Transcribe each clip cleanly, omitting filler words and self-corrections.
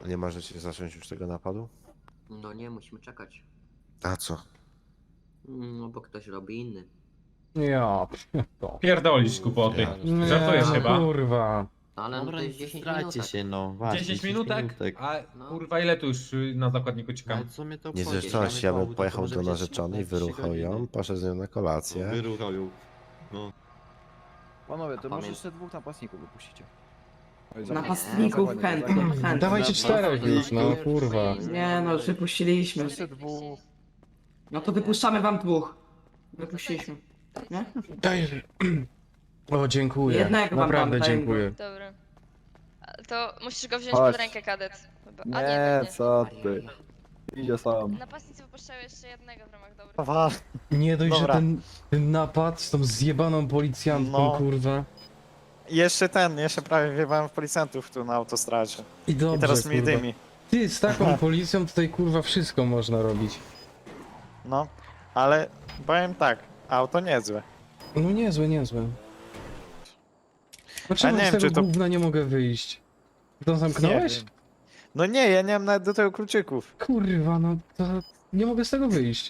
Nie możecie zacząć już tego napadu? No nie, musimy czekać. A co? No bo ktoś robi inny. Ja, to. Pierdolisz głupoty. Nie, Żartujesz no chyba? kurwa. Ale no Dobra, to nie jest 10 strajcie minutek. się, no. Właśnie, 10 minutek? minutek. A No. kurwa ile tu już na zakładniku czekam? Ale co mnie to Nie obchodzi? zresztą ja bym pojechał do narzeczonej, wyruchał wyruchał ją, poszedł z nią na kolację. Wyruchał ją. No. Panowie, to może Pamiętam. jeszcze 2 napastników wypuścicie. Napastników chętnie, chętnie. Dawajcie 4 już, no kurwa. Nie no, wypuściliśmy. Jeszcze 2. No to wypuszczamy wam 2. Wypuściliśmy. Nie? Daj. O, dziękuję. Jednego wam Naprawdę dam, daj dziękuję. Dobra. To musisz go wziąć Chodź. pod rękę, kadet. Chyba. A Nie, nie, nie. co ty. Idzie sam. Napastnicy wypuszczają jeszcze jednego w ramach dobrych. Nie dość, że Dobra. ten napad z tą zjebaną policjantką, No. kurwa. Jeszcze prawie wjebałem w policjantów tu na autostradzie. I dobrze, I teraz mi kurwa. dymi. Ty, z taką policją tutaj kurwa wszystko można robić. No, ale powiem tak, auto niezłe. No niezłe, niezłe. A Dlaczego nie z wiem, tego czy to- gówna nie mogę wyjść? To Nie zamknąłeś? wiem. No nie, ja nie mam nawet do tego kluczyków. Kurwa, no to nie mogę z tego wyjść.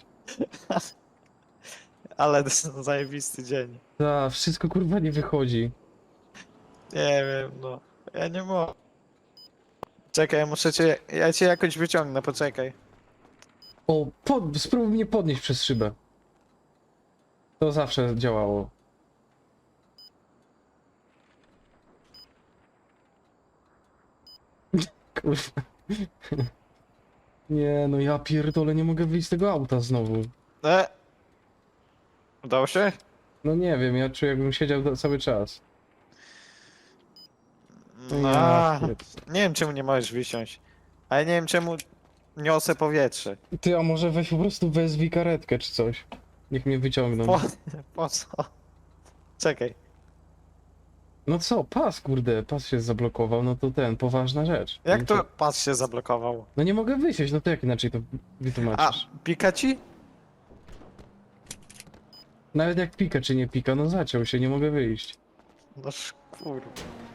Ale to jest zajebisty dzień. Ta, wszystko kurwa nie wychodzi. Nie wiem, no. Ja nie mogę. Czekaj, ja cię jakoś wyciągnę, poczekaj. O, spróbuj mnie podnieść przez szybę. To zawsze działało. Kurwa. Nie, no ja pierdolę, nie mogę wyjść z tego auta znowu. Udało się? No nie wiem, ja czuję jakbym siedział cały czas. No, Ja nie wiem czemu nie możesz wysiąść. Ale nie wiem czemu niosę powietrze. Ty, a może weź po prostu wezwij karetkę czy coś. Niech mnie wyciągną. Po co? Czekaj. No co, pas się zablokował, no to poważna rzecz. Jak No to pas się zablokował? No nie mogę wysiąść, no to jak inaczej to A, wytłumaczysz? pika ci? Nawet jak pika czy nie pika, no zaciął się, nie mogę wyjść. No kurwa.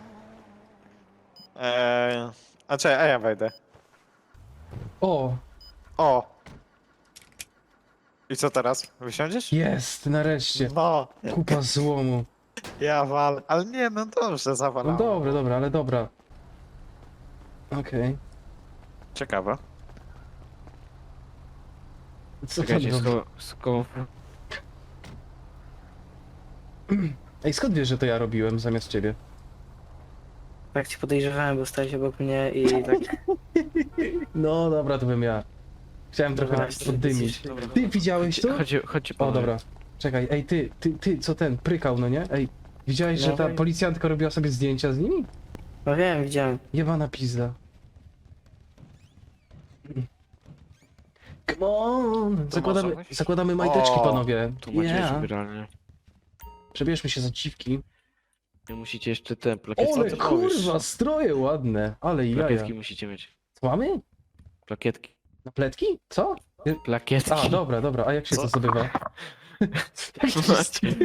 A czekaj, a ja wejdę. O, O! I co teraz? Wysiądziesz? jest, nareszcie. No, Kupa złomu. ja wal. Ale nie, no dobrze, No zawalałem. dobra, ale dobra. Okej. Ciekawe. Co tam robi? Ej, skąd wiesz, że to ja robiłem zamiast ciebie? Tak cię podejrzewałem, bo stałeś obok mnie i tak... No dobra, to bym ja. Chciałem trochę Właśnie, poddymić. dobra. Ty widziałeś to? Chodźcie O, dobra. Czekaj, ej, ty, co ten, prykał, no nie? Ej, widziałeś, że ta No. policjantka robiła sobie zdjęcia z nimi? No wiem, widziałem. Jebana pizda. Come on! Zakładamy majteczki, O, panowie. Tu macie Yeah. ubieralnię. Przebierzmy się za dziwki. Nie musicie jeszcze te plakietki. Ole, ty mówisz? kurwa, stroje ładne, ale jaja. Plakietki musicie mieć. Co mamy? Plakietki. Na pletki? Co? Plakietki. A, dobra, a jak się Co? to zdobywa? Macie.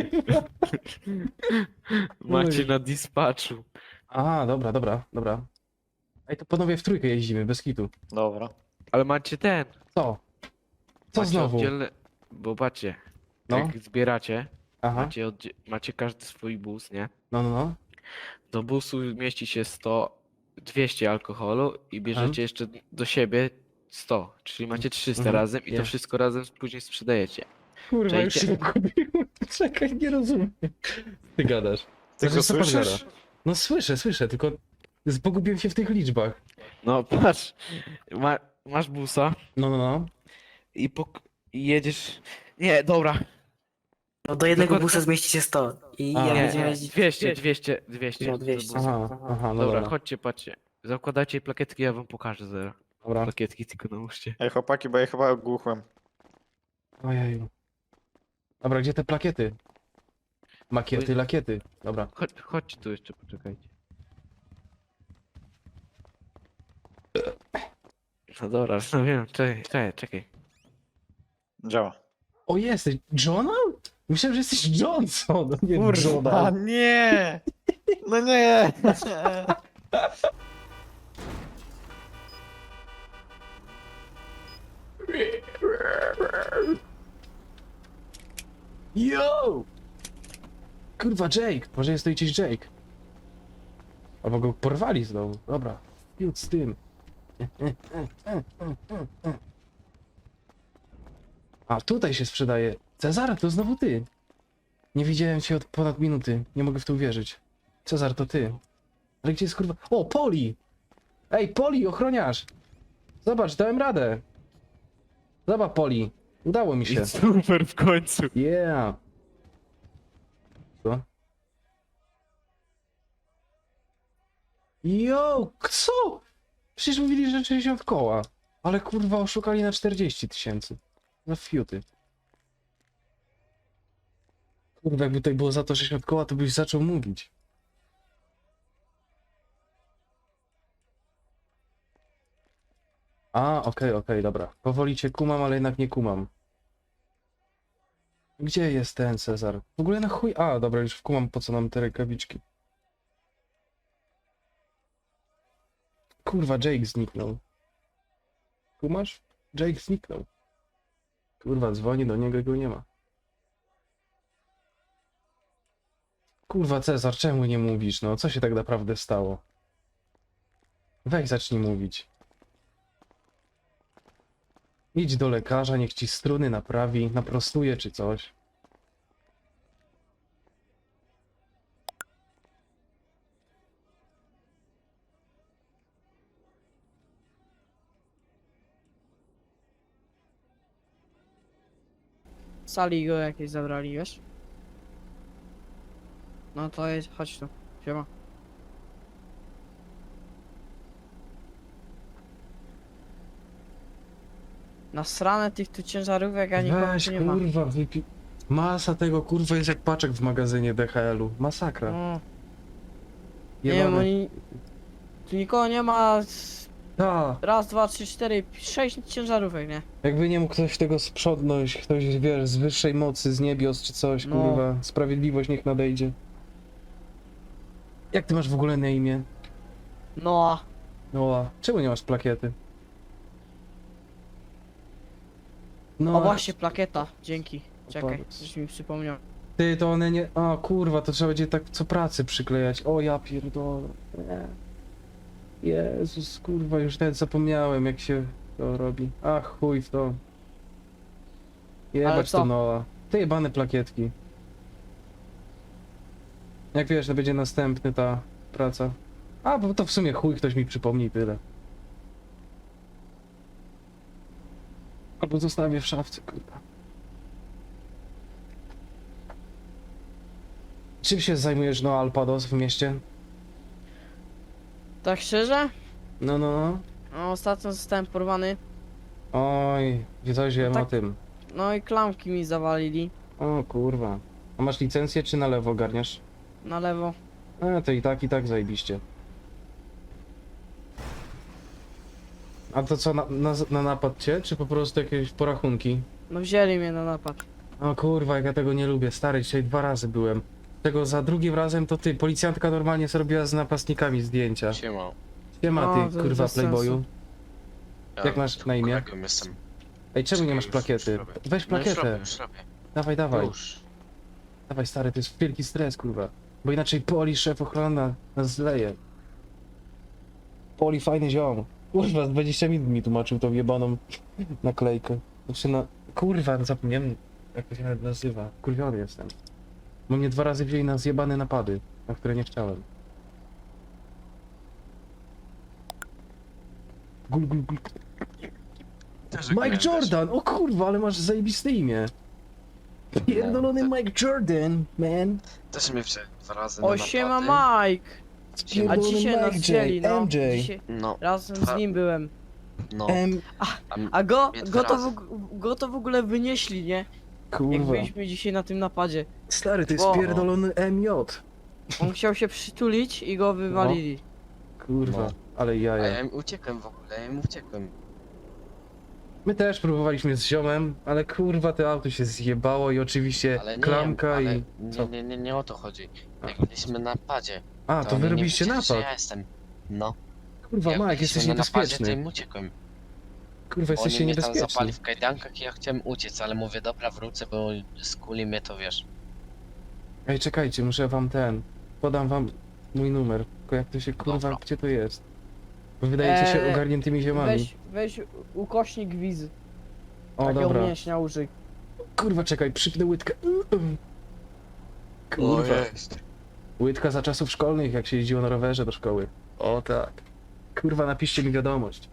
Macie na dispatchu. A, dobra. Ej, to panowie w trójkę jeździmy, bez kitu. Dobra. Ale macie ten. Co? Co Macie znowu? Oddzielne... Bo patrzcie, No. jak zbieracie, Aha, macie każdy swój bus, nie? no. Do busu mieści się 200 alkoholu i bierzecie jeszcze do siebie 100, czyli macie 300 Mhm. razem i to Ja. wszystko razem później sprzedajecie. Kurwa, już Czekajcie. się pogubiłem. Czekaj, nie rozumiem. Ty gadasz. Ty go Znaczy, co pan słyszysz? gada? No słyszę, tylko pogubiłem się w tych liczbach. No patrz, masz busa No. i jedziesz... Nie, dobra. No do jednego Dokładnie- busa zmieści się 100. I A, jak Nie, będziemy jeździć... 200. No, 200. do busa. Aha, no Dobra, dobra. chodźcie, patrzcie. Zakładajcie plakietki, ja wam pokażę zaraz. Dobra. Plakietki tylko nałóżcie. Ej chłopaki, bo ja chyba ogłuchłem. Ojeju. Dobra, gdzie te plakiety? Makiety, lakiety. Dobra. Chodźcie tu jeszcze, poczekajcie. No dobra, no wiem, czekaj. Działa. O, jesteś Johna? Myślałem, że jesteś Johnson, nie Kurwa, Johna. nie! No nie! Yo! Kurwa, Jake! Może jest to gdzieś Jake. Albo go porwali znowu. Dobra, fiut z tym. A, tutaj się sprzedaje. Cezar, to znowu ty. Nie widziałem cię od ponad minuty. Nie mogę w to uwierzyć. Cezar, to ty. Ale gdzie jest kurwa... O, Poli! Ej, Poli, ochroniarz! Zobacz, dałem radę. Zobacz, Poli. Udało mi się. Super w końcu. Yeah. Co? Yo, co? Przecież mówili, że 60 koła. Ale kurwa oszukali na 40 000. Za fiuty. Kurwa, jakby tutaj było za to 60 koła, to byś zaczął mówić. A, okej, dobra. Powoli cię kumam, ale jednak nie kumam. Gdzie jest ten Cezar? W ogóle na chuj... A, dobra, już wkumam, po co nam te rękawiczki. Kurwa, Jake zniknął. Kumasz? Jake zniknął. Kurwa, dzwoni do niego i go nie ma. Kurwa, Cezar, czemu nie mówisz? No, co się tak naprawdę stało? Weź, zacznij mówić. Idź do lekarza, niech ci struny naprawi, naprostuje czy coś. Z sali go jakieś zabrali, wiesz? No to jest, chodź tu. Siema. Nasrane tych tu ciężarówek, a nikogo Weź, tu nie ma. kurwa, masa tego, kurwa, jest jak paczek w magazynie DHL-u. Masakra. No. Nie wiem, Jebane. oni... Tu nikogo nie ma. Ta, Raz, dwa, trzy, cztery, 6 ciężarówek, nie? jakby nie mógł ktoś tego sprzątnąć, ktoś, wiesz, z wyższej mocy, z niebios czy coś, No. kurwa. Sprawiedliwość niech nadejdzie. Jak ty masz w ogóle na imię? No, No, a czemu nie masz plakiety? o No, właśnie, plakieta, dzięki. Czekaj, Powiedz. żeś mi przypomniał. ty, to one nie... A, kurwa, to trzeba będzie tak co pracy przyklejać. O, ja pierdolę. Nie. Jezus, kurwa, już nawet zapomniałem, jak się to robi. Ach, chuj w to. Ale Jebać co? to Noa. Te jebane plakietki. Jak wiesz, to będzie następny ta praca. A, bo to w sumie chuj, ktoś mi przypomni i tyle. Albo zostawię w szafce, kurwa. Czym się zajmujesz, no, Alpados w mieście? Tak szczerze? No, no, no. No, ostatnio zostałem porwany. Oj, coś wiem tak. o tym. No i klamki mi zawalili. O kurwa. A masz licencję czy na lewo ogarniasz? Na lewo. A, to i tak zajebiście. A to co, na napad cię, czy po prostu jakieś porachunki? No wzięli mnie na napad. O kurwa, jak ja tego nie lubię, stary, dzisiaj 2 razy byłem. Tego za drugim razem to ty, policjantka normalnie zrobiła z napastnikami zdjęcia. Siema. Siema No, ty, to kurwa, bez sensu. playboyu. Jak masz na imię? jestem. Ej, czemu nie Czekaj, masz już plakiety? robię. Weź plakietę. Już robię. Dawaj, dawaj. Już. Dawaj stary, to jest wielki stres, kurwa. Bo inaczej Poli, szef ochrona, nas zleje. Poli, fajny ziom. Kurwa, z 20 minut mi tłumaczył tą jebaną naklejkę. Znaczy kurwa, zapomniałem jak to się nawet nazywa. Kurwiony jestem. Bo mnie 2 razy wzięli na zjebane napady, na które nie chciałem. Gul, gul, gul. Mike Jordan! O kurwa, ale masz zajebiste imię. Pierdolony Mike Jordan, man. Też mnie wzięli 2 razy O, siema Mike! A Pierdolony dzisiaj nas Mike wzięli, no. MJ. Dzisiaj No, razem z nim byłem. no. A go mnie 2 razy. to w ogóle wynieśli, nie? Jak Kurwa. byliśmy dzisiaj na tym napadzie. Stary, to jest O. pierdolony MJ. On chciał się przytulić i go wywalili. Kurwa, No. ale A jaja. ja im uciekłem w ogóle, ja im uciekłem. My też próbowaliśmy z ziomem, ale kurwa to auto się zjebało i oczywiście Ale nie, klamka ale i... Co? nie o to chodzi. Jak byliśmy na napadzie, A, to oni wy nie robiliście wiedzieli, że napad. ja jestem. No. Kurwa, Jak Mike, byliśmy jesteś na napadzie, to niebezpieczny. im uciekłem. Kurwa, jesteście Oni mnie tam niebezpieczni. zapali w kajdankach i ja chciałem uciec, ale mówię, dobra, wrócę, bo skuli mnie to, wiesz. Ej, czekajcie, muszę wam podam wam mój numer. Tylko jak to się, kurwa, Dobra. gdzie to jest? Bo wydajecie się ogarniętymi ziomami. Weź ukośnik wizy. O, dobra. mięśnia użyj. Kurwa, czekaj, przypnę łydkę. Kurwa. Łydka za czasów szkolnych, jak się jeździło na rowerze do szkoły. O tak. Kurwa, napiszcie mi wiadomość.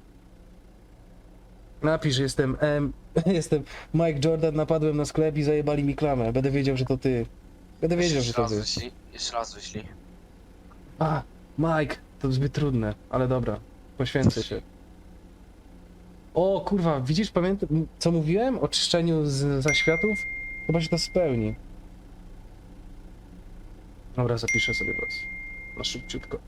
Napisz, jestem Mike Jordan, napadłem na sklep i zajebali mi klamę. Będę wiedział, że to ty. Będę wiedział, że to ty. Jeszcze raz wyślij. A, Mike, to zbyt trudne, ale dobra, poświęcę się. O kurwa, widzisz, pamiętam, co mówiłem o czyszczeniu z zaświatów? Chyba się to spełni. Dobra, zapiszę sobie was. Na szybciutko.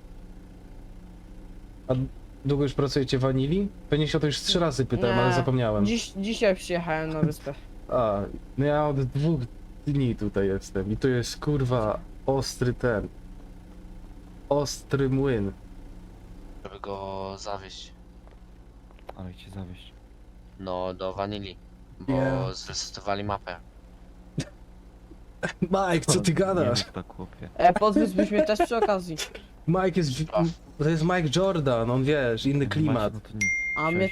A długo już pracujecie w Wanili? Pewnie się o to już 3 razy pytałem, Nie. ale zapomniałem. Dzisiaj przyjechałem na wyspę. A, no ja od 2 dni tutaj jestem i to jest kurwa ostry młyn. Żeby go zawieźć. Ale cię zawieść. No, do Wanili. Bo Yeah. zresetowali mapę. Mike, co ty gadasz? tak chłopie. Podwiózłbyś mnie też przy okazji. Mike jest, to jest Mike Jordan, on wiesz, inny klimat. A mnie